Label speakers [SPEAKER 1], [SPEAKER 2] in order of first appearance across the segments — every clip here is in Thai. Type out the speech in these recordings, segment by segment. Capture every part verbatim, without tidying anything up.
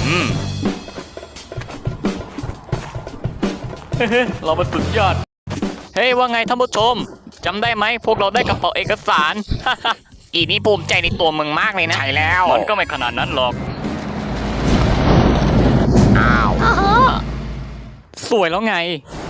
[SPEAKER 1] อืมเฮ้เราเป็นสุดยอดเฮ้ยว่าไงท่านผู้ชมจำได้ไหมพวกเราได้กระเป๋าเอกสาร อีนี่ภูมิใจในตัวมึงมากเลยนะใช่แล้วมันก็ไม่ขนาดนั้นหรอกอ้าวสวยแล้วไง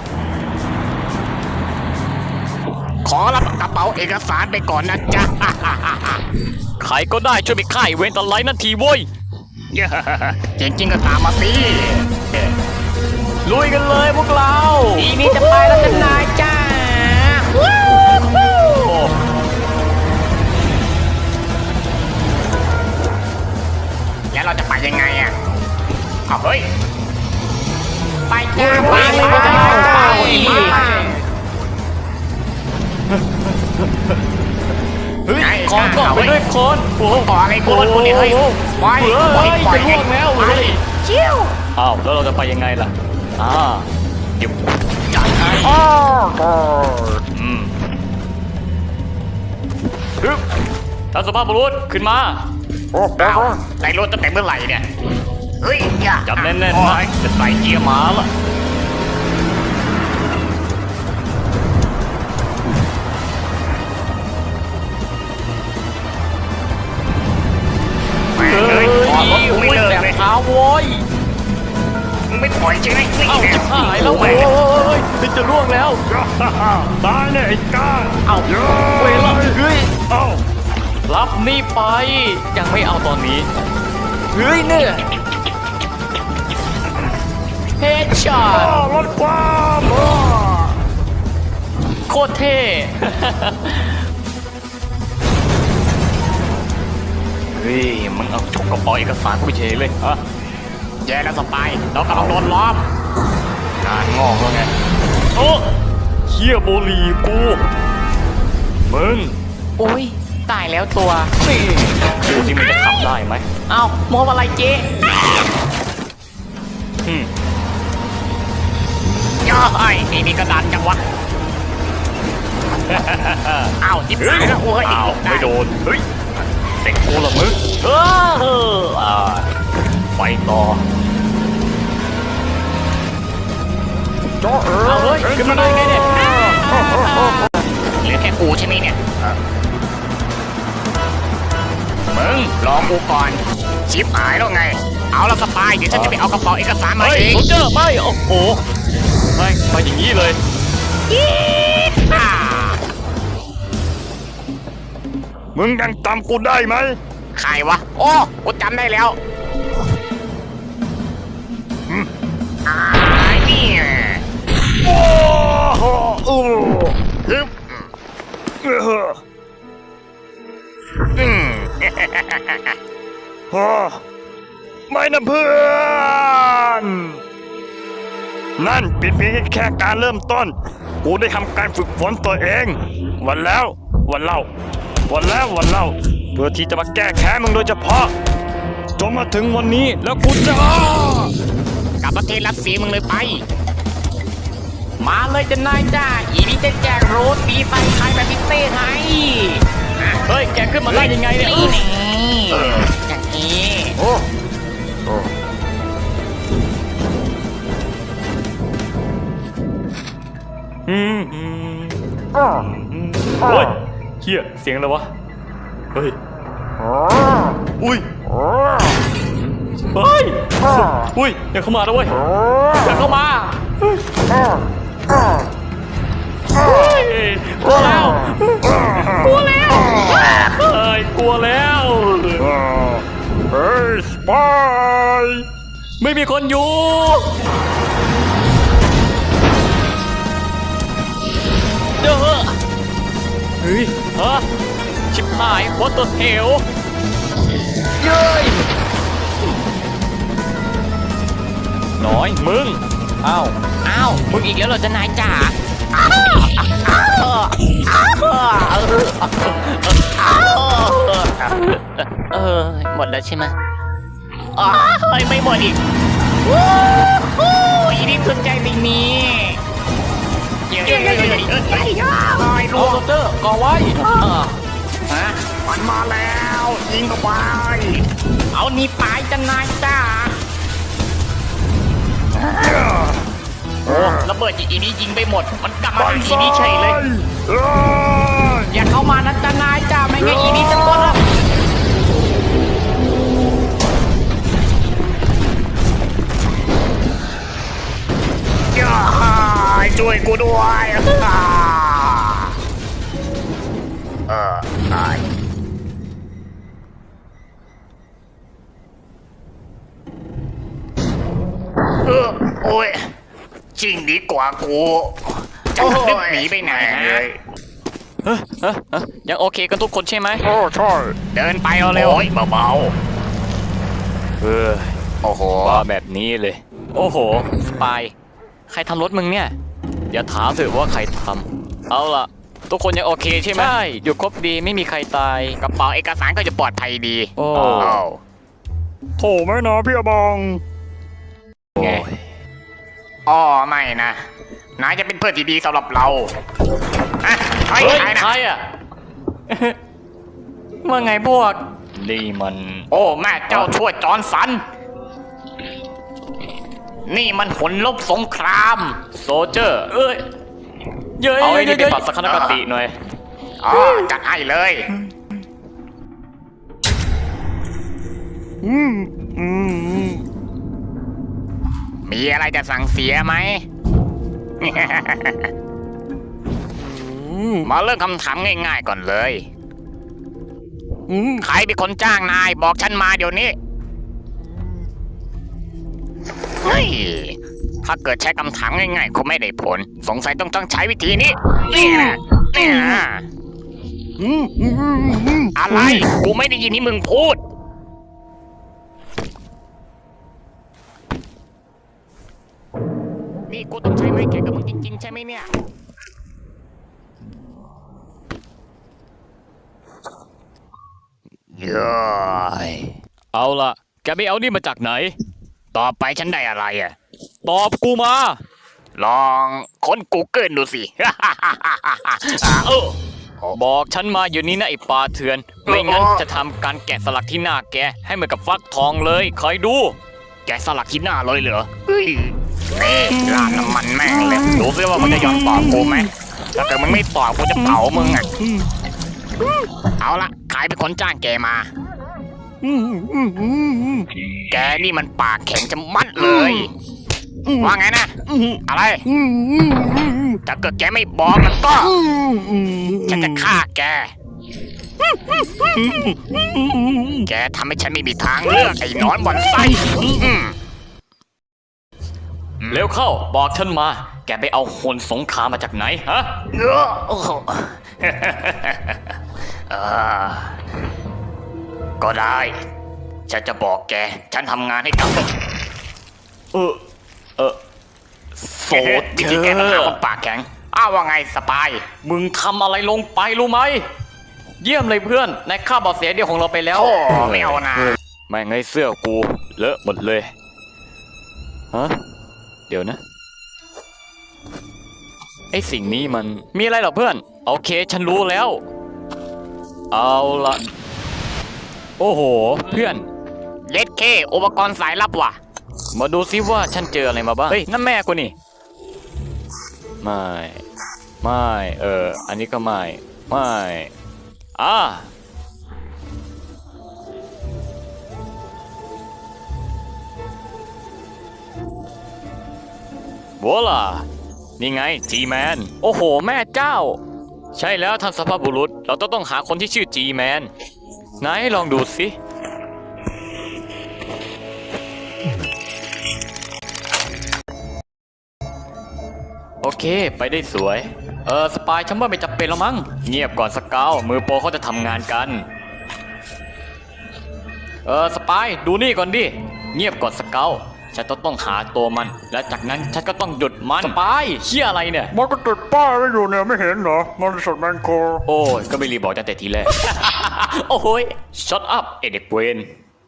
[SPEAKER 1] ขอรับกระเป๋าเอกสารไปก่อนนะจ๊ะ ใครก็ได้ช่วยไปฆ่าเวนตะไลนั่นทีเว้ยจริงจริงก็ตามมาสิลุยกันเลยพวกเราอีนี่จะไปแล้วกันนายจ้าแล้วเราจะไปยังไงอ่ะเอาเฮ้ยไปจ้าไปไปไปเฮ้ยคอนก่อนไปด้วยคอนโอ้โหก่ออะไรกูกูเนี่ยเฮ้ยไปไปไปจะล่วงแล้วเฮ้ยเชี่ยวอ้าวแล้วเราจะไปยังไงล่ะอ่าเดี๋ยวจัดให้อืมฮึบท่านสภาพบุรุษขึ้นมาโอ้ดาวใส่รถตั้งแต่เมื่อไหร่เนี่ยเฮ้ยอย่าจับแน่นๆนะจะใส่เกียร์หมาละเฮ้ยรถกูไม่เลิกเลยเท้าโว้ยมึงไม่ถอยใช่ไหมเอ้าจะหายแล้วโว้ยจะล่วงแล้ว
[SPEAKER 2] ตายเนี่ยไอ้ก้า
[SPEAKER 1] เอ้าเวลาเฮ้ยเอ้ารับนี่ไปยังไม่เอาตอนนี้เฮ้ยเนี่ยเฮดช็อต
[SPEAKER 2] รถความ
[SPEAKER 1] โคตรเท่เฮ้ยมึงเอาฉกกระเป๋าเอกสารกูไปเฉยเลยฮะแย่แล้วสปายเรากำลังโดนล้อมงานงอกแล้วไงโอ้เชี่ยโบลีกูมึงโอ้ยตายแล้วตัวนี่ดูสิมันจะขับได้ไหมเอ้ามองอะไรเจ๊อืมย่อไอ้นี่มีกระดานจังวะอ้าวจิ๊บหายแล้วโอ้ยอ้าวไม่โดนเฮ้ยเด็กกูละมึงเอออ่าไปต่อเอาเฮ้ยขึ้นมาได้ไงเนี่ยเหลือแค่กูใช่ไหมเนี่ยมึงรอกูก่อนชิปหายแล้วไงเอาละสปายเดี๋ยวฉันจะไปเอากระเป๋าเอกสารมาเองเจอไม่โอ้โหไม่ไปอย่างนี้เลย
[SPEAKER 2] มึงยังจำกูได้ไหม
[SPEAKER 1] ใครวะโอ้กูจำได้แล้วอ่านี่
[SPEAKER 2] โอ้โหอู้ฮึบ
[SPEAKER 1] อืม
[SPEAKER 2] ฮ่าไม่นะเพื่อนนั่นเป็นเพียงแค่การเริ่มต้นกูได้ทำการฝึกฝนตัวเองวันแล้ววันเล่าวันแล้ววันเล่าเพื่อที่จะมาแก้แค้นมึงโดยเฉพาะจนมาถึงวันนี้แล้วกูจะ
[SPEAKER 1] กลับประเทศรัสเซียมึงเลยไปมาเลยจะนายจ้าอีนี่จะแจกโรสปีไฟไทยแบบพิเศษให้เฮ้ยแกขึ้นมาได้ยังไงเนี่ยนี่อย่างนี้โอ้โอ้อืมอืมโอ้ยเฮียเสียงอะไรวะเฮ้ยอุ้ยเฮ้ยอุ้ยอย่าเข้ามาแล้วเว้ยอย่าเข้ามากลัวแล้วกลัวแล้วเฮ้ยกลัวแล้ว
[SPEAKER 2] เฮ้ยสปาย
[SPEAKER 1] ไม่มีคนอยู่เด้อเฮ้ยฮะชิบหายวัดตัวเหวเย้ยน้อยมึงอ้าวอ้าวมึงอีกแล้วเหรอจะนายจ๋าเออหมดแล้วใช่ไหมอ๋อเฮ้ยไม่หมดอีกวู้ฮู้อีนี่สนใจสิ่งนี้เย้เย้เย้เย้เย้เย้ลูกเตอร์ก่อไว้ฮะมันมาแล้วยิงเข้าไปเอานี่ไปจะนายจ๋าระเบิดอีนี้ยิงไปหมดมันกลับมาหาอีนี้เฉยเลย
[SPEAKER 2] เอ้ย
[SPEAKER 1] อย่าเข้ามานะจ๊ะนายจ้าไม่งั้นอีนี้จะกดเรา
[SPEAKER 2] ช่วยกูด้วยเออตายเออโอ้ยจริงดีกว่ากูจะนึกหนีไปไหนฮะ
[SPEAKER 1] เฮ้ยเฮ้ยเฮ้ยยังโอเคกันทุกคนใช่ไหม
[SPEAKER 2] โอ้ใช่
[SPEAKER 1] เดินไปเอาเร็ว
[SPEAKER 2] โอ้ยเบาๆเออโอ้โห
[SPEAKER 1] ว่าแบบนี้เลย โอ้โหสปายใครทำรถมึงเนี่ยอย่าถามเถอะว่าใครทำเอาล่ะทุกคนยังโอเคใช่ไหมใช่อยู่ครบดีไม่มีใครตายกระเป๋าเอกสารก็จะปลอดภัยดีโอ้
[SPEAKER 2] โถไม่นะพี่อบอง
[SPEAKER 1] ไง
[SPEAKER 2] อ๋อไม่นะนายจะเป็นเพื่อนที่ดีสำหรับเราอะเฮ้ย
[SPEAKER 1] เฮ้ย
[SPEAKER 2] นายนะ
[SPEAKER 1] ใครอ่ะ ว่าไงพวกนี่มัน
[SPEAKER 2] โอ้แม่เจ้าช่วยจอร์นสัน นี่มันผลลบสงคราม
[SPEAKER 1] โซเจอร์เอ้ยเย้ย
[SPEAKER 2] เอาไอ้นี่
[SPEAKER 1] เย้ย
[SPEAKER 2] ไปปรับทัศนคติหน่อย อ๋อจัดให้เลยมีอะไรจะสั่งเสียไหม มาเริ่มคำถามง่ายๆก่อนเลย ใครเป็นคนจ้างนายบอกฉันมาเดี๋ยวนี้ เฮ้ย ถ้าเกิดใช้คำถามง่ายๆคงไม่ได้ผล สงสัยต้องต้องใช้วิธีนี้ นี่นะนี่นะอะไร กูไม่ได้ยินที่มึงพูด นี่กูต้องใช้ไม้แข่งกับมึงจริงๆใช่ไหมเนี่ย เย้ย
[SPEAKER 1] เอาล่ะแกไปเอานี่มาจากไหน
[SPEAKER 2] ต่อไปฉันได้อะไรอ่ะ
[SPEAKER 1] ตอบกูมา
[SPEAKER 2] ลองค้น Google ดูสิ เออ
[SPEAKER 1] บอกฉันมาอยู่นี่นะไอ้ปลาเถื่อนไม่งั้นจะทำการแกะสลักที่หน้าแกให้เหมือนกับฟักทองเลยคอยดู
[SPEAKER 2] แกะสลักที่หน้าเลยเหรอเฮ้ยนี่ลาดน้ำมันแม่งเลยดูซิว่ามึงจะยอมตอบกูไหมถ้าเกิดมึงไม่ตอบกูจะเผามึงอ่ะ เอาละใครเป็นคนจ้างแกมา แกนี่มันปากแข็งจะมัดเลย ว่าไงนะ อะไร ถ้าเกิดแกไม่บอกแล้วก็ ฉันจะฆ่าแก แกทำให้ฉันไม่มีทางเลือกไอ้หนอนบ่อนไส้อืม
[SPEAKER 1] เร็วเข้าบอกฉันมา แกไปเอาโหนสงครามมาจากไหนฮะ
[SPEAKER 2] เออโอ้โหเออก็ได้ ฉันจะบอกแก ฉันทำงานให้กับ
[SPEAKER 1] เออเออโซ
[SPEAKER 2] วิ
[SPEAKER 1] เจ
[SPEAKER 2] ธี
[SPEAKER 1] อ
[SPEAKER 2] แก้ปัญหาค
[SPEAKER 1] ร์
[SPEAKER 2] นปากแข็ง อ้าวว่าไงสปาย
[SPEAKER 1] มึงทำอะไรลงไปรู้ไหมเยี่ยมเลยเพื่อนในค่าเบาเสียเดียวของเราไปแล้ว
[SPEAKER 2] โอ้ไม่เอานะ
[SPEAKER 1] แม่งไงเสื้อกูเลอะหมดเลยฮะเดี๋ยวนะไอสิ่งนี้มันมีอะไรเหรอเพื่อนโอเคฉันรู้แล้ว เอาละโอ้โหเพื่อน
[SPEAKER 2] เย็ดเคอุปกรณ์สายลับว่ะ
[SPEAKER 1] มาดูซิว่าฉันเจออะไรมาบ้างเฮ้ยนั่นแม่กูนี่ไม่ไม่เอออันนี้ก็ไม่ไม่อ่าโวล่ะนี่ไงจีแมนโอ้โหแม่เจ้า ใช่แล้วท่านสภาพบุรุษเราต้องต้องหาคนที่ชื่อจีแมนไหนลองดูสิโอเคไปได้สวยเออสปายฉันว่าไม่จำเป็นแล้วมั้งเงียบก่อนสเกาวมือโปรเขาจะทำงานกันเออสปายดูนี่ก่อนดิเงียบก่อนสเกาวฉันต้องต้องหาตัวมันและจากนั้นฉันก็ต้องหยุดมันสปายเชี่ยอะไรเนี่ย
[SPEAKER 2] มันก็ติดป้ายไว้อยู่เนี่ยไม่เห็นเหรอมันสดแมนโค
[SPEAKER 1] โอ้ยก็ไม่รีบบอกตั้งแต่ทีแรก โอ้โหย shut up ไอเด็กเวน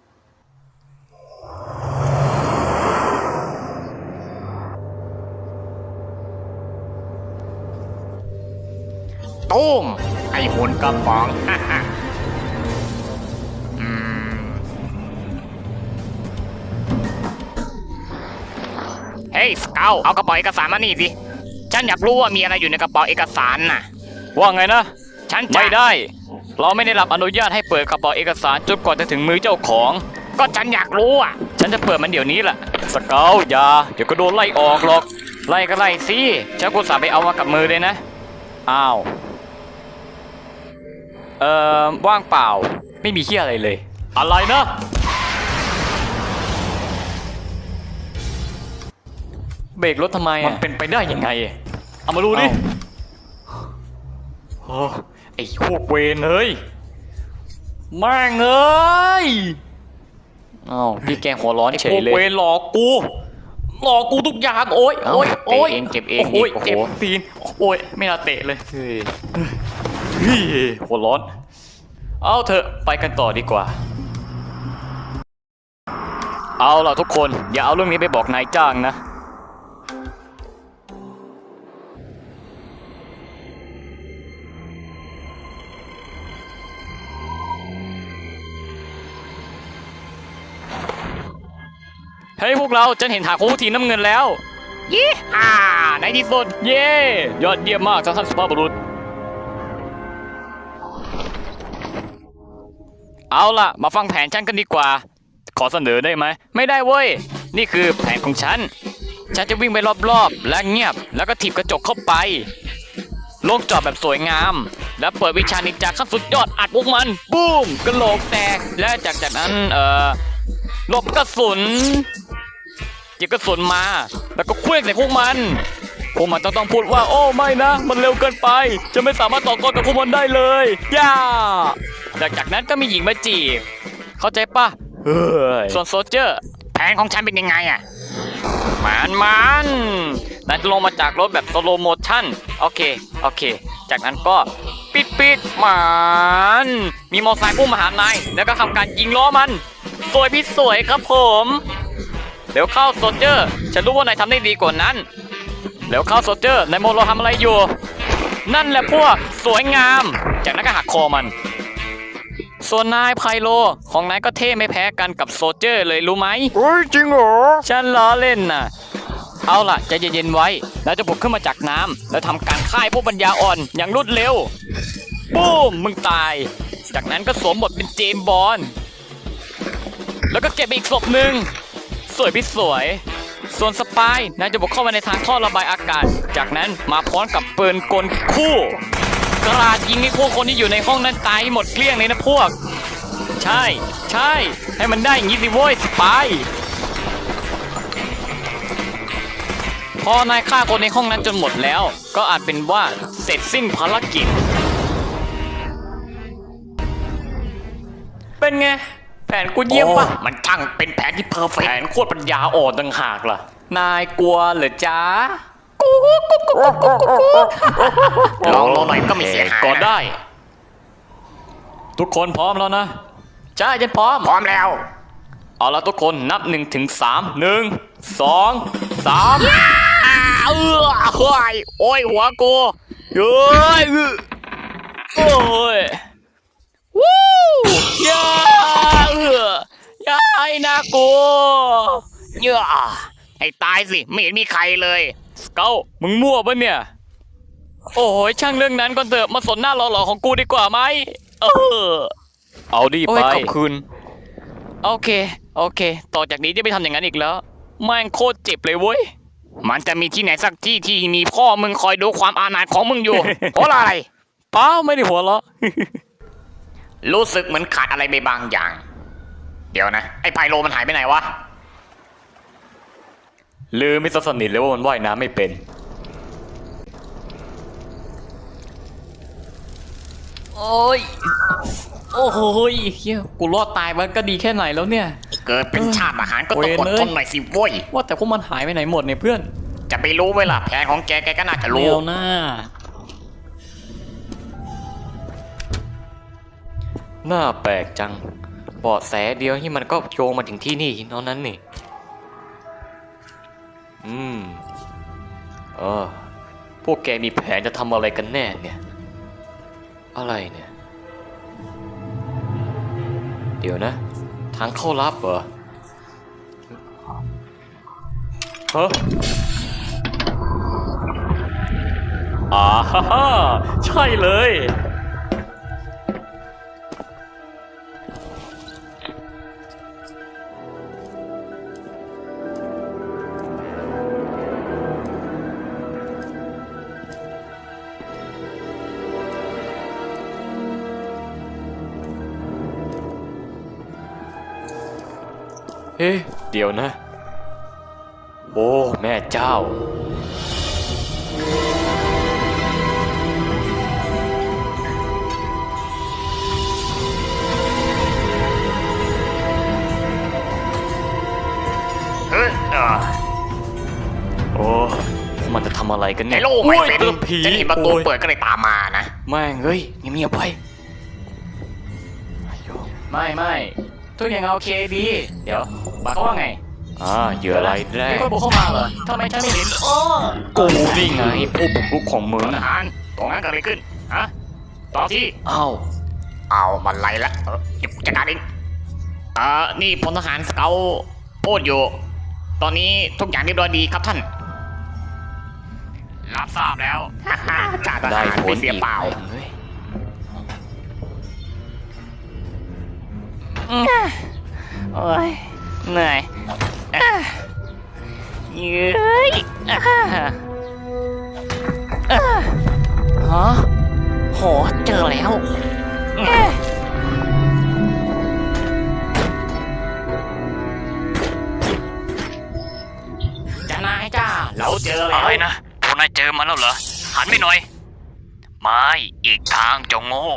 [SPEAKER 2] ตุ้มไอ้หุ่นกระป๋อง อืม
[SPEAKER 1] เฮ้ยสเกลเอากระเป๋าเอกสารมานี่สิฉันอยากรู้ว่ามีอะไรอยู่ในกระเป๋าเอกสารน่ะ
[SPEAKER 3] ว่าไงนะ
[SPEAKER 1] ฉันจะ
[SPEAKER 3] ไม่ได้ เราไม่ได้รับอนุญาตให้เปิดกระเป๋าเอกสารจนกว่าจะถึงมือเจ้าของ
[SPEAKER 1] ก็ฉันอยากรู้อ่ะ
[SPEAKER 3] ฉันจะเปิดมันเดี๋ยวนี้แหละสเกลอย่าเดี๋ยวก็โดนไล่ออกหรอก
[SPEAKER 1] ไล่ก็ไล่สิฉันกูสาไปเอามากับมือเลยนะ
[SPEAKER 3] อ้าวเอ่อว่างเปล่าไม่มีเหี้ยอะไรเลย อะไรนะเบรกรถทำไม
[SPEAKER 1] มั
[SPEAKER 3] อ่ะ
[SPEAKER 1] นเป็นไปได้ยังไง
[SPEAKER 3] เอามาดูดิ
[SPEAKER 1] โอ้ไอ้พวกเวรเฮ้ยแม่งเอ้ย
[SPEAKER 3] อ้าวพี่แกหัวร้อน
[SPEAKER 1] ไอ้
[SPEAKER 3] เฉ
[SPEAKER 1] พวย ก
[SPEAKER 3] เลย
[SPEAKER 1] เวรหลอกกูหลอกกูทุกอย่างโอ้ยโอ้ย
[SPEAKER 3] เอ้า
[SPEAKER 1] โอ้ย
[SPEAKER 3] เจ็บเองเจ็บเอง
[SPEAKER 1] โอ้ย
[SPEAKER 3] โอ้โห
[SPEAKER 1] เจ็บตีนโอ้ยไม่น่าเตะเลย
[SPEAKER 3] เฮ้ย
[SPEAKER 1] เฮ้ย
[SPEAKER 3] หัวร้อน เอาเถอะไปกันต่อดีกว่า เอาล่ะทุกคนอย่าเอาเรื่องนี้ไปบอกนายจ้างนะ เฮ้ยพวกเราฉันเห็นถาโค้งทีน้ำเงินแล้ว
[SPEAKER 1] ยี่อ่าในที่สุด
[SPEAKER 3] เย้ยอดเยี่ยมมากท่านสุภาพบุรุษ เอาล่ะมาฟังแผนฉันกันดีกว่า ขอเสนอได้ไหม ไม่ได้เว้ย นี่คือแผนของฉัน ฉันจะวิ่งไปรอบๆ และเงียบ แล้วก็ถีบกระจกเข้าไป ลงจอดแบบสวยงาม แล้วเปิดวิชานินจาขั้นสุดยอดอัดพวกมัน บูมกระโหลกแตก และจากจากนั้น เอ่อหลบกระสุนหยิบกระสุนมา แล้วก็เคลื่อนใส่พวกมัน พวกมันต้องต้องพูดว่า โอ้ไม่นะ มันเร็วเกินไป จะไม่สามารถต่อกรกับพวกมันได้เลย ย่าจากจากนั้นก็มีหญิงมาจีบ เข้าใจปะ
[SPEAKER 1] เฮ้ย
[SPEAKER 3] ส่วนโซลเจอร์
[SPEAKER 1] แผนของฉันเป็นยังไงอ่ะ
[SPEAKER 3] มันมันนายจะลงมาจากรถแบบสโลโมชั่น โอเค โอเค จากนั้นก็ปิดปิดมันมีมอเตอร์ไซค์พุ่งมาหานายแล้วก็ทำการยิงล้อมัน สวยพี่สวยครับผม เดี๋ยวเข้าโซลเจอร์ ฉันรู้ว่านายทำได้ดีกว่านั้น เดี๋ยวเข้าโซลเจอร์นายโมโลทำอะไรอยู่ นั่นแหละพวกสวยงาม จากนั้นก็หักคอมัน ส่วนนายไพโลของนายก็เท่ไม่แพ้กันกับโซลเจอร์เลยรู้ไหม
[SPEAKER 2] เฮ้ยจริงเหรอ
[SPEAKER 3] ฉันล้อเล่นน่ะ เอาล่ะใจเย็นๆไว้ แล้วจะบุกขึ้นมาจากน้ำแล้วทำการฆ่าพวกปัญญาอ่อนอย่างรวดเร็ว ปุ้ม มึงตาย จากนั้นก็สวมบทเป็นเจมส์บอนด์แล้วก็เก็บอีกศพหนึ่ง สวยพี่สวย ส่วนสปายนายจะบุกเข้ามาในทางท่อระบายอากาศ จากนั้นมาพร้อมกับปืนกลคู่ กราดยิงให้พวกคนที่อยู่ในห้องนั้นตายให้หมดเกลี้ยงเลยนะพวก ใช่ ใช่ ให้มันได้อย่างนี้สิโว้ยสปาย พอนายฆ่าคนในห้องนั้นจนหมดแล้ว ก็อาจเป็นว่าเสร็จสิ้นภารกิจ เป็นไง แผนกูเยี่ยมปะ
[SPEAKER 1] โอ้มันช่างเป็นแผนที่เพอร์เฟ
[SPEAKER 3] แผ
[SPEAKER 1] ก
[SPEAKER 3] นโคตรปัญญาอ่อนต่างหากล่ะ นายกลัวเหรอจ๊ะ
[SPEAKER 1] ลองลองหน่อยก็ไม่เสียหาย
[SPEAKER 3] ก็
[SPEAKER 1] นะ
[SPEAKER 3] ได้ ทุกคนพร้อมแล้วนะใช่ฉันพร้อม
[SPEAKER 1] พร้อมแล้ว
[SPEAKER 3] เอาละทุกคนนับหนึ่งถึงสามหนึ่งสองสาม
[SPEAKER 1] อ้าเออเฮ้ยโอ้ยหัวกู
[SPEAKER 3] เฮ้ยโอ้ยวู้ยาเออยาไอ้น่ากลัว
[SPEAKER 1] เยอะให้ตายสิไม่เห็นมีใครเลย
[SPEAKER 3] สเกลมึงมั่วปะเนี่ย โอ้ยช่างเรื่องนั้นก่อนเถอะมาสนหน้าหล่อๆของกูดีกว่าไหมเออเอาดี
[SPEAKER 1] โอ้
[SPEAKER 3] ไป
[SPEAKER 1] ยขอบคุณ
[SPEAKER 3] โอเค โอเค ต่อจากนี้จะไม่ทำอย่างนั้นอีกแล้วแม่งโคตรเจ็บเลยเว้ย
[SPEAKER 1] มันจะมีที่ไหนสักที่ที่มีพ่อมึงคอยดูความอาณาจของมึงอยู่ เพราะอะไร
[SPEAKER 3] เปล่าไม่ได้หัวเราะ
[SPEAKER 1] รู้สึกเหมือนขาดอะไรไปบางอย่าง เดี๋ยวนะ ไอ้ไพโลมันหายไปไหนวะ
[SPEAKER 3] ลืมไม่สนิทเลยว่ามันว่ายน้ำไม่เป็น โอ้ย โอ้โหยเฮียกูรอดตายมันก็ดีแค่ไหนแล้วเนี่ย
[SPEAKER 1] เกิดเป็นชาติอาหารก็ต้องอด
[SPEAKER 3] เวรเอ้ย
[SPEAKER 1] ทนหน่อยสิโว้ย
[SPEAKER 3] ว่าแต่พวกมันหายไปไหนหมดเนี่ยเพื่อน
[SPEAKER 1] จะไปรู้ไว้ล่ะแผนของแกแกก็น่าจะรู้
[SPEAKER 3] เร็วหน้า น่าแปลกจังเบาะแสเดียวที่มันก็โยงมาถึงที่นี่เท่านั้นนี่ อืม เออ พวกแกมีแผนจะทำอะไรกันแน่เนี่ย อะไรเนี่ย เดี๋ยวนะ ทางเข้าลับเหรอ
[SPEAKER 1] ฮะอ่าฮ่าฮ่าใช่เลย เอ๊ะเดี๋ยวนะ โอ้ แม่เจ้า
[SPEAKER 2] เฮ้ยอ่า
[SPEAKER 1] โอ้ มันจะทำอะไรกันเนี่ย
[SPEAKER 4] ไอ้โลกไม่เสร็จ
[SPEAKER 1] โอ้ยผี
[SPEAKER 4] ฉันเห็นประตู
[SPEAKER 1] โอ้ย
[SPEAKER 4] เปิดก็เลยตามมานะ
[SPEAKER 1] แม่งเฮ้ยเงียบๆไปไม่ไม่ทุกอย่างโอเคดี เดี๋ยวบอกเขาว่าไง อ่าเหยื่ออะไรายแร
[SPEAKER 4] มี
[SPEAKER 1] ก
[SPEAKER 4] คนบุกเข้ามาเหรอทำไมฉันไม่เห็นโอ้
[SPEAKER 1] กูนี่ไงผู้บุกรุกของมึง
[SPEAKER 4] ท
[SPEAKER 1] นะ
[SPEAKER 4] หารตรงนั้นเกิดอะไรขึ้น ฮะ ต่อที่
[SPEAKER 1] เอ้า
[SPEAKER 4] เอามันไรละเออเก็บจัดการเองเอ่อนี่พลทหารสเกาพูดอยู่ ตอนนี้ทุกอย่างเรียบร้อยดีครับท่าน รับทราบแล้วฮ่าฮ่าจ่าท
[SPEAKER 1] ได้
[SPEAKER 4] หาร
[SPEAKER 1] ผ
[SPEAKER 4] ไม่
[SPEAKER 1] ล
[SPEAKER 4] เสีย
[SPEAKER 1] อีก
[SPEAKER 4] เปล่า
[SPEAKER 1] เฮ้ย
[SPEAKER 4] โอ้ยเหนื่อยอ่ะเย้ยอ่ะอ่ะฮะโหเจอแล้วเอ๊ะจะนายจ้า เราเจอแล้ว
[SPEAKER 3] อะไรนะพวกนายเจอมันแล้วเหรอ หันไปหน่อย ไม่อีกทางเจงโง่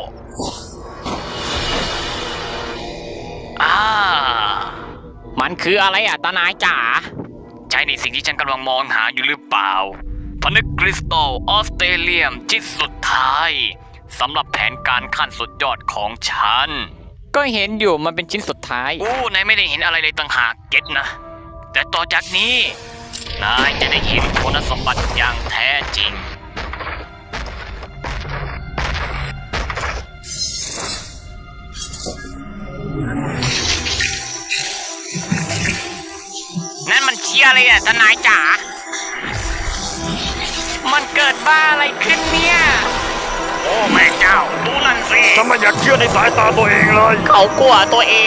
[SPEAKER 3] อ่า
[SPEAKER 4] มันคืออะไรอ่ะตานายจ๋า
[SPEAKER 3] ใช่ในสิ่งที่ฉันกำลังมองหาอยู่หรือเปล่าพนึกคริสตัลออสเตรเลียมชิ้นสุดท้ายสำหรับแผนการขั้นสุดยอดของฉัน
[SPEAKER 4] ก็เห็นอยู่มันเป็นชิ้นสุดท้าย
[SPEAKER 3] อู้นายไม่ได้เห็นอะไรเลยต่างหากเก็ตนะ แต่ต่อจากนี้ นายจะได้เห็นคุณสมบัติอย่างแท้จริง
[SPEAKER 4] นั่นมันเชียอะไรอ่ะทนายจ๋า มันเกิดบ้าอะไรขึ้นเนี่ย โอ้แม่เจ้า ดูนั่นสิ
[SPEAKER 2] ฉันไม่อยากเชื่อในสายตาตัวเองเลย
[SPEAKER 4] เขากลัวตัวเอง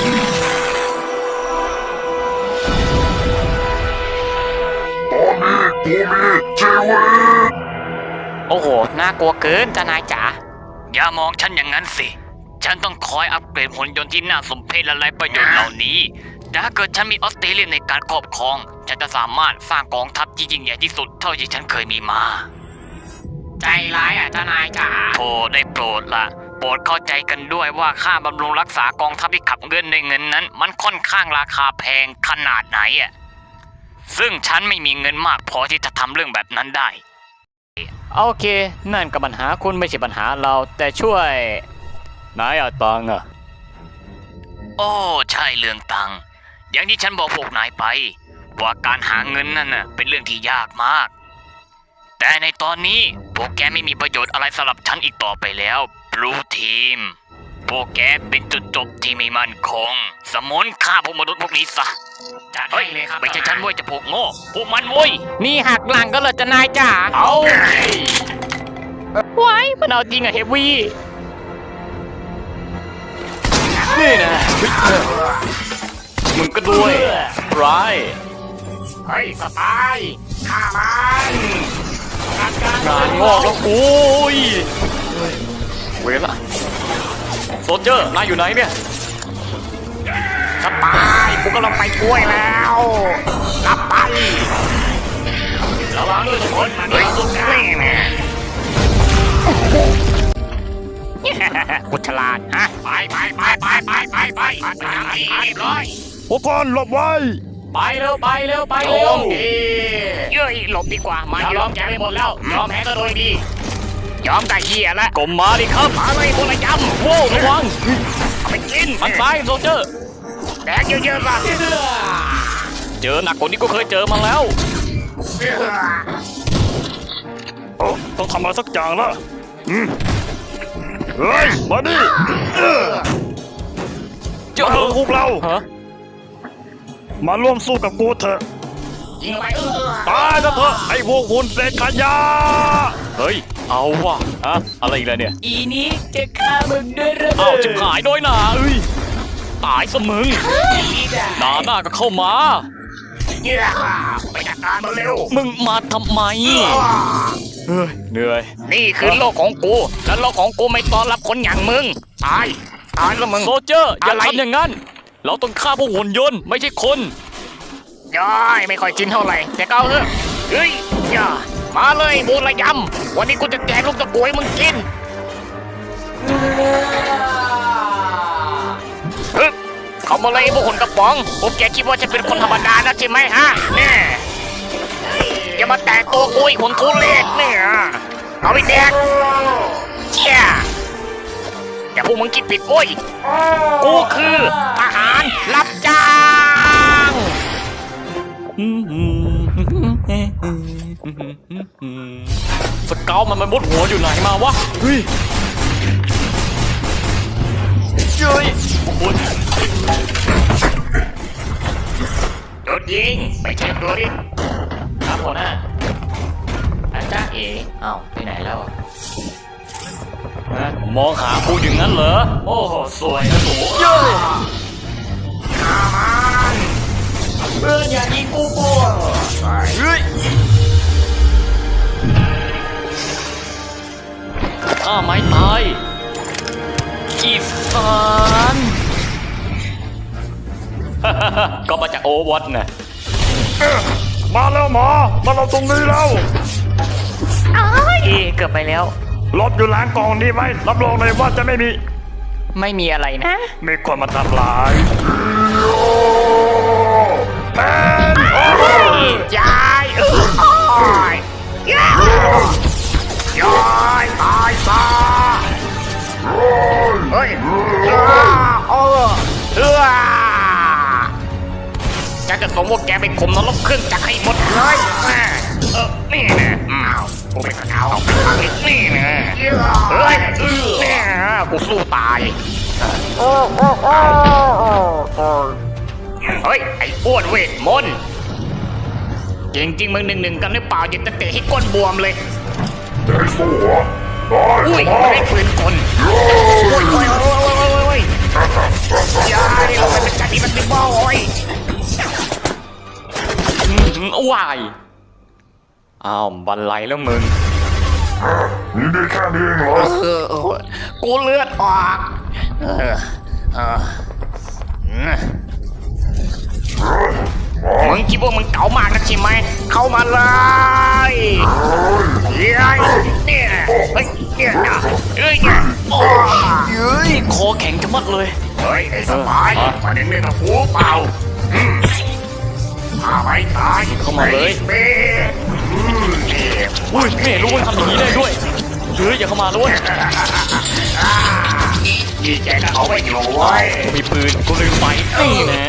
[SPEAKER 4] โอ้โห น่ากลัวเกินทนายจ๋า
[SPEAKER 3] อย่ามองฉันอย่างนั้นสิ ฉันต้องคอยอัปเกรดหุ่นยนต์ที่น่าสมเพชและไร้ประโยชน์เหล่านี้ แต่ถ้าเกิดฉันมีออสเตรเลียในการครอบครอง ฉันจะสามารถสร้างกองทัพที่ยิ่งใหญ่ที่สุดเท่าที่ฉันเคยมีมา
[SPEAKER 4] ใจร้ายอ่ะทนายจ๋า
[SPEAKER 3] โปรดได้โปรดละโปรดเข้าใจกันด้วยว่าค่าบำรุงรักษากองทัพที่ขับเงินในเงินนั้น มันค่อนข้างราคาแพงขนาดไหนอ่ะ ซึ่งฉันไม่มีเงินมากพอที่จะทำเรื่องแบบนั้นได้
[SPEAKER 1] โอเค นั่นก็ปัญหาคุณไม่ใช่ปัญหาเรา แต่ช่วยนายเอาตังค์อะ
[SPEAKER 3] โอ้ใช่เรื่องตังค์อย่างที่ฉันบอกพวกนายไป ว่าการหาเงินนั่นน่ะเป็นเรื่องที่ยากมาก แต่ในตอนนี้พวกแกไม่มีประโยชน์อะไรสำหรับฉันอีกต่อไปแล้วบลูทีมพวกแกเป็นจุดจบที่ไม่มั่นคง สมนฆ่าพวกมนุษย์พวกนี้ซะ
[SPEAKER 4] จัด
[SPEAKER 3] เฮ้
[SPEAKER 4] ให้
[SPEAKER 3] ย
[SPEAKER 4] เลยครับ
[SPEAKER 3] ไม่ใช่ฉันเว้ยจะพวกโง่พวกมันเว้ย
[SPEAKER 4] นี่หักหลังก็เลยจะนายจ๋า
[SPEAKER 1] เอา
[SPEAKER 4] ไว้มันเอาจริงอะเฮฟวี่
[SPEAKER 1] นี่นะเฮ้ยมึงก็ด้วยร้าย
[SPEAKER 4] เฮ้ยสปายฆ่ามันจัดการ
[SPEAKER 1] งานงอกแล้วโอ้ยเวรละโซลเจอร์นายอยู่ไหนเนี่ย
[SPEAKER 4] สปายกูกำลังไปช่วยแล้วกลับไประวังด้วยทุกคนมันมีสุดนี่แน่กุฉลาดฮะไปไปไปไปไปไปไปไปไปเรียบร้อย
[SPEAKER 2] พวกคนหลบไว้
[SPEAKER 1] ไปเร็วไปเร็วไป
[SPEAKER 4] โอ้
[SPEAKER 1] เร็ว
[SPEAKER 4] เย้ยหลบดีกว่ามายอมแกไปหมดแล้วยอมแพ้ก็โดยดียอมไก่เหี้ยแล้ว
[SPEAKER 1] กลมมาดิครับ
[SPEAKER 4] มาเลยพวกนายจำ
[SPEAKER 1] โว้วระวัง
[SPEAKER 4] เอาไปกิน
[SPEAKER 1] มันซ้ายโซลเจอร์
[SPEAKER 4] แดกเยอะๆซะ
[SPEAKER 1] เจอหนักกว่านี้ก็เคยเจอมาแล้ว
[SPEAKER 2] โอ้ต้องทำอะไรสักอย่างละอืมเฮ้ย มาดิเออ
[SPEAKER 1] เจอ
[SPEAKER 2] มาเถอะพวกเรา
[SPEAKER 1] ฮะ
[SPEAKER 2] มาร่วมสู้กับกูเถอะ
[SPEAKER 4] ยิงเข้าไปเออ
[SPEAKER 2] ตายซะเถอะไอ้พวกหุ่นเศษขยะ
[SPEAKER 3] เฮ้ย เอาว่ะอะอะไรอีกแล้วเนี่ย
[SPEAKER 5] อีนี้จะฆ่ามึงด้วยระเบิด
[SPEAKER 3] เอ้าจะหายน้อยหนาเอ้ย ตายซะมึง
[SPEAKER 5] อีด่า
[SPEAKER 3] หนาหน้าก็เข้ามา
[SPEAKER 4] เยี่ยไปจัดการมันเร็ว
[SPEAKER 3] มึงมาทำไม เฮ้ย เหนื่อย
[SPEAKER 4] นี่คือโลกของกู แล้วโลกของกูไม่ต้อนรับคนอย่างมึง ตาย ตายแล้วมึง
[SPEAKER 3] โซเจอร์ อย่า
[SPEAKER 4] อะไร
[SPEAKER 3] ทำอย่างนั้น เราต้องฆ่าพวกหุ่นยนต์ไม่ใช่คน
[SPEAKER 4] ย้อยไม่ค่อยจินเท่าไหร่ แต่ก็เอาเถอะเฮ้ยอย่ามาเลยบูระยำวันนี้กูจะแจกลูกตะกัวให้มึงกินฮึบเขามาเลยไอ้พวกคนกระป๋องพวกแกคิดว่าฉันเป็นคนธรรมดานะใช่ไหมฮะเนี่ยอย่ามาแตะตัวกูอีกคนทุเรศเนี่ยเอาไปแดกเชี่ยแต่พวกมึงคิดผิดโว้ยกูคือทหารรับจ้าง
[SPEAKER 3] สเกลมันมันมุดหัวอยู่ไหนมาวะ เฮ้ยเฮ้ยโอ้โห
[SPEAKER 4] โดนยิงไม่ใช่ตัวดิ
[SPEAKER 5] ครับหัวหน้าอาจารย์เอ๋เอ้าไปไหนแล้ว
[SPEAKER 3] มองหากูอย่างนั้นเหรอ
[SPEAKER 5] โอ้โหสวยนะหนู
[SPEAKER 4] ฆ่ามัน
[SPEAKER 5] เพื่อนอย่ายิงกูกู
[SPEAKER 3] เฮ้ยถ้าไม้ตายอีสาน ก็มาจากโอวัตนะ
[SPEAKER 2] มาแล้วหมอมาเราตรงนี้แล้ว
[SPEAKER 5] เอ๋เกือบไปแล้ว
[SPEAKER 2] หลบอยู่หลังกล่องนี้ไว้รับรองเลยว่าจะไม่มี
[SPEAKER 5] ไม่มีอะไรนะ
[SPEAKER 2] มีคนมาทำร้ายแพน
[SPEAKER 4] ยายเอ้ยยายยายตายซะเฮ้ยอ้าเออเออฉันจะส่งพวกแกไปข่มนรกเครื่องจักรให้หมดเลยแม่เออนี่นะอ้าวกูเป็นกระเอานี่นะเฮ้ยเนี่ยกูสู้ตายเฮ้ยไอ้อ้วนเวทมนต์จริงจริงๆมึงหนึ่งหนึ่งกันหรือเปล่ายังจะเตะให้ก้นบวมเลยอุ้ยไม่ได้ปืนกลโอ้ยโอ้ยโอ้ยโอ้ยโอ้ยยายเราไปเป็นจัดอีมันติบอลโอ้ย
[SPEAKER 3] วายอ้าวบันไลแล้วมึง
[SPEAKER 2] นี่ได้แค่นี้เองเหรอ
[SPEAKER 4] เออเออกูเลือดออกเออเออมึงคิดว่ามึงเก๋ามากนะใช่ไหมเข้ามาเลยเฮ้ยเนี่ยเฮ้ยเนี่ยเฮ้ยเนี่ยโอ้
[SPEAKER 3] เฮ้ย คอแข็งจะมัดเลย
[SPEAKER 4] เฮ้ยไอ้สบายมาเล่นเล่นกับกูเปล่าอืมมาไปตาย
[SPEAKER 3] เข้ามาเลย
[SPEAKER 4] เบ้อืมเจ็บ
[SPEAKER 3] อุ้ยไม่เห็นรู้ว่าทำอย่างนี้ได้ด้วยเฮ้ยอย่าเข้ามาด้วย
[SPEAKER 4] นี่แกก็เอาไว้อยู่เว้ย
[SPEAKER 3] มีปืนกูลืมไปนี่นะ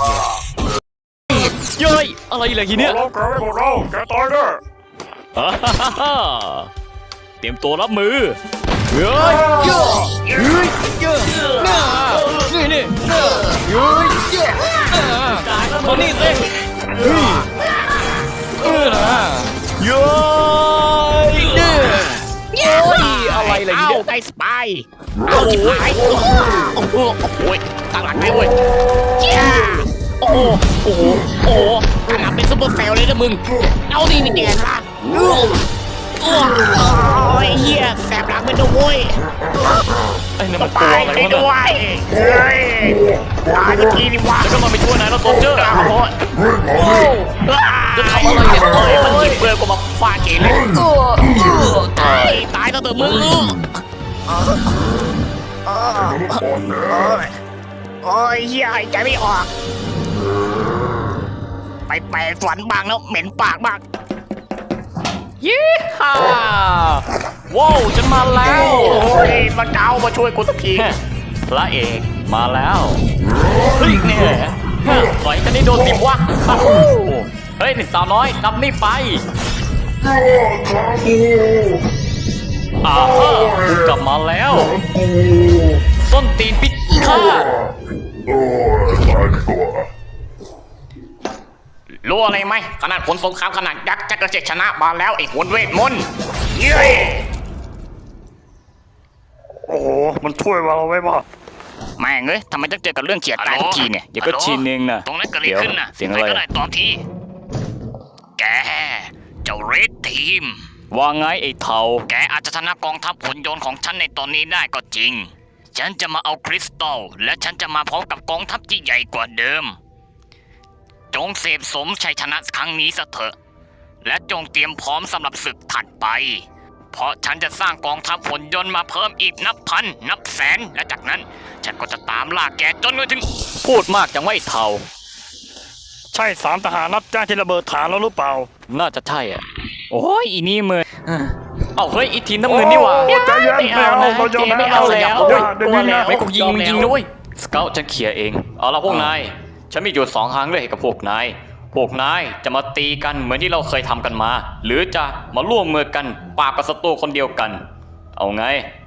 [SPEAKER 3] เย้ยอะไรเหรอทีเนี้ย
[SPEAKER 2] เราเกิดพวกเราแกตายแน่
[SPEAKER 3] อ่าฮ่าฮ่าฮ่าเตรียมตัวรับมือเฮ้ยเย้ยเฮ้ยเย้ยน่านี่นี่เย้ยเย้ยเย้ยอ่ามานี่สิเฮ้ยเออนะเย้ยเนี่ยโอ้ยอะไรเหรอที
[SPEAKER 4] เอ้า
[SPEAKER 3] เนี้ย
[SPEAKER 4] ไอ้สปายเอาจิบหายโอ้โหโอ้โหโอ้ยตั้งหลักได้เว้ยเจ้าโอ้โหโอ้โหโอ้โหตั้งหลักเป็นซุปเปอร์เซลเลยนะมึง เอาดินี่เดียนละโอ้โอ้ยเฮียแสบหลังไปด้วยเว้ย
[SPEAKER 3] ไอ้นั่นมัน
[SPEAKER 4] ตา
[SPEAKER 3] ตัวย อะไร
[SPEAKER 4] ไป
[SPEAKER 3] วะ
[SPEAKER 4] ด้
[SPEAKER 3] เนี่
[SPEAKER 4] วย ยเฮ้ยตายสักทีนี่วะ
[SPEAKER 3] แล้วก็มาไปช่วยนายแล้วโซลเจอร์
[SPEAKER 4] โอ้โห
[SPEAKER 3] จะทำอะไรเนี่ย
[SPEAKER 4] เฮ้ยมันหยิบเบอร์กูมาฟาดเกเลย ตายตายแล้วเถอะมึงโอ้ยเฮียหายใจไม่ออก ไปแปลฝันบางแล้วเหม็นปากมาก
[SPEAKER 3] ยี่ห้าว้าวฉันมาแล้ว
[SPEAKER 4] โอ้ยมาเจ้ามาช่วยกูสักที
[SPEAKER 3] พระเอกมาแล้วเฮ้ยเนี่ยปล่อยกันได้โดนสิบวะอ้าวเฮ้ยสาวน้อยนำนี่ไปอ่าฮะกูกลับมาแล้วส้นตีนพิฆาต
[SPEAKER 4] รู้อะไรไหมขนาดผลสงครามขนาดยักษ์จักรเจ็ดชนะมาแล้วไอ้หุ่นเวทมนต์เย้ย
[SPEAKER 2] โอ้โห มันช่วยเราไว้ป่ะ
[SPEAKER 4] แม่งเอ้ยทำไมต้องเจอกับเรื่องเฉียดตาย
[SPEAKER 3] ฮัลโหล
[SPEAKER 4] ทุกทีเนี่ย
[SPEAKER 3] เดี๋ยวก็ชินเองนะ
[SPEAKER 4] ตรงนั้นเกิดอะไร
[SPEAKER 3] เดี๋ยว
[SPEAKER 4] ขึ้นน่ะ
[SPEAKER 3] เสียงอะไร
[SPEAKER 4] ใคก็ได้ตอบทีแกเจ้าเรดทีม
[SPEAKER 3] ว่าไงไอ้เทา
[SPEAKER 4] แกอาจจะชนะกองทัพหุ่นยนต์ของฉันในตอนนี้ได้ก็จริง ฉันจะมาเอาคริสตัลและฉันจะมาพร้อมกับกองทัพที่ใหญ่กว่าเดิม จงเสพสมชัยชนะครั้งนี้ซะเถอะ และจงเตรียมพร้อมสำหรับศึกถัดไป เพราะฉันจะสร้างกองทัพหุ่นยนต์มาเพิ่มอีกนับพัน นับแสน และจากนั้น ฉันก็จะตามล่าแกจนไปถึง
[SPEAKER 3] พูดมากจังว่าไอ้เทา
[SPEAKER 2] ใช่สามทหารรับจ้างที่ระเบิดฐานแล้วหรือเปล่า
[SPEAKER 3] น่าจะใช่อ่ะ โอ้ยอีนี่มือเอ้าเฮ้ยอีทีมน้ำเงินนี่หว่า
[SPEAKER 2] โอ้ใจเย็น
[SPEAKER 5] ไม่เอานะ
[SPEAKER 2] เราจะ
[SPEAKER 5] เจ๊ไม่เอาแล้ว
[SPEAKER 2] เดี๋ยวเดี๋ยว
[SPEAKER 5] กลัว
[SPEAKER 2] นี้
[SPEAKER 5] แล้
[SPEAKER 2] นะ
[SPEAKER 5] ว
[SPEAKER 3] ไม่กูยิง
[SPEAKER 5] ยอม
[SPEAKER 3] มึงยิง
[SPEAKER 5] แล้ว
[SPEAKER 3] ด้วยสเกลฉันเคลียร์เอง เอาละพวกนาย ฉันมีอยู่สองทางเลือกให้กับพวกนาย พวกนายจะมาตีกันเหมือนที่เราเคยทำกันมา หรือจะมาร่วมมือกันปราบกับศัตรูคนเดียวกัน เอาไง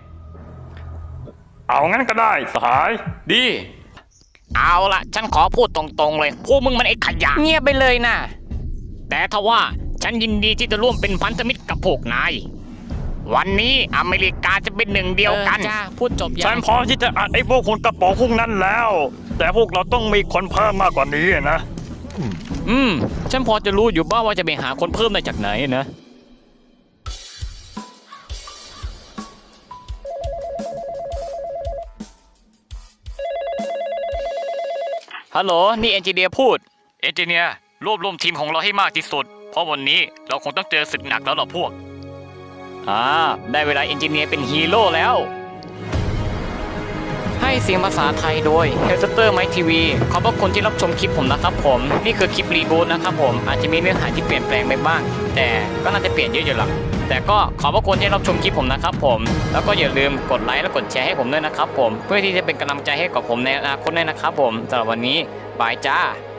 [SPEAKER 2] เอางั้นก็ได้สหาย
[SPEAKER 3] ดี
[SPEAKER 4] เอาละฉันขอพูดตรงๆเลย พวกมึงมันไอ้ขยะ
[SPEAKER 5] เงียบไปเลยนะ
[SPEAKER 4] แต่ทว่าฉันยินดีที่จะร่วมเป็นพันธมิตรกับพวกนาย วันนี้อเมริกาจะเป็นหนึ่งเดียวกัน
[SPEAKER 5] ออจ้าพูดจบยั
[SPEAKER 2] ฉัน
[SPEAKER 5] ง
[SPEAKER 2] พร้อมที่จะอัดไอ้พวกคนกระป๋องพวกนั้นแล้ว แต่พวกเราต้องมีคนเพิ่มมากกว่านี้นะ
[SPEAKER 3] อืม ฉันพอจะรู้อยู่บ้างว่าจะไปหาคนเพิ่มได้จากไหนนะ ฮัลโหล นี่เอนจิเนียร์พูด เอนจิเนียร์รวบรวมทีมของเราให้มากที่สุด เพราะวันนี้เราคงต้องเจอศึกหนักแล้วล่ะพวก อ่า ได้เวลาเอนจิเนียร์เป็นฮีโร่แล้ว ให้เสียงภาษาไทยโดย h e l s t e r m i t ที วี ขอบพระคุณที่รับชมคลิปผมนะครับผม นี่คือคลิปรีบูทนะครับผม อาจจะมีเนื้อหาที่เปลี่ยนแปลงไปบ้าง แต่ก็น่าจะเปลี่ยนเยอะอยู่หรอกแต่ก็ขอบพระคุณที่รับชมคลิปผมนะครับผม แล้วก็อย่าลืมกดไลค์และกดแชร์ให้ผมด้วยนะครับผม เพื่อที่จะเป็นกำลังใจให้กับผมในอนาคตด้วยนะครับผมสำหรับวันนี้บายจ้า